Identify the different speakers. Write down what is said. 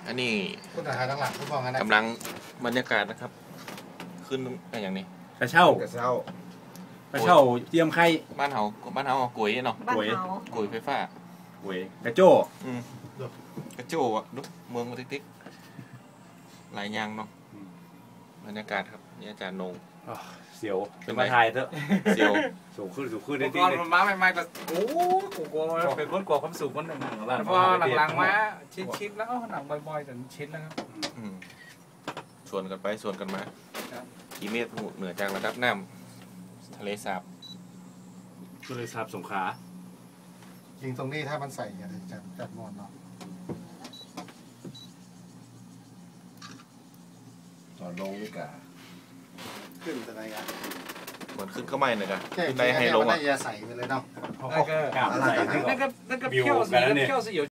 Speaker 1: อันนี้
Speaker 2: คุณถ่ายทั้งหลังคุณมองกันนะ
Speaker 1: กำลังบรรยากาศนะครับขึ้นอย่างนี้
Speaker 3: กระเช่ากระเช่าเตรียมไข่
Speaker 1: บ้านเฮากุ๋ยเนาะกุ๋ยไฟฟ้า
Speaker 3: กุ๋ยกระโจ้
Speaker 1: กระโจ้อะดูเมืองมาติ๊กหลายอย่างเนาะบรรยากาศครับนี่อาจารย์นง
Speaker 3: เสียวเป็นมาถ่ายเถอะ
Speaker 1: เสียว
Speaker 3: สูงขึ้นได้
Speaker 4: ดีเลยก่อนมาใหม่ๆก็โอ้กูกลัวเป็นคนกลัวความสูงคนหนึ่งพอหลังๆมาชิดแล้วหนังบ่อยๆจนชิดแล้วครับ
Speaker 1: ชวนกันไปชวนกันมากี่เมตรเหนือจากระดับน้ำทะเลสาบ
Speaker 3: สงขลา
Speaker 2: ยิงตรงนี้ถ้ามันใส่อย่าเลยจัดมอนเนาะ
Speaker 5: ตอนลงนี่กะ
Speaker 2: ขึ้นอะไรกัน
Speaker 1: เหมือนขึ้นก็ไม่เลยกัน
Speaker 2: ขึ้นได้ให้ลงอ่ะอย่าใส่ไปเลยเนาะ
Speaker 4: นั่นก็เพี้ยวสยอง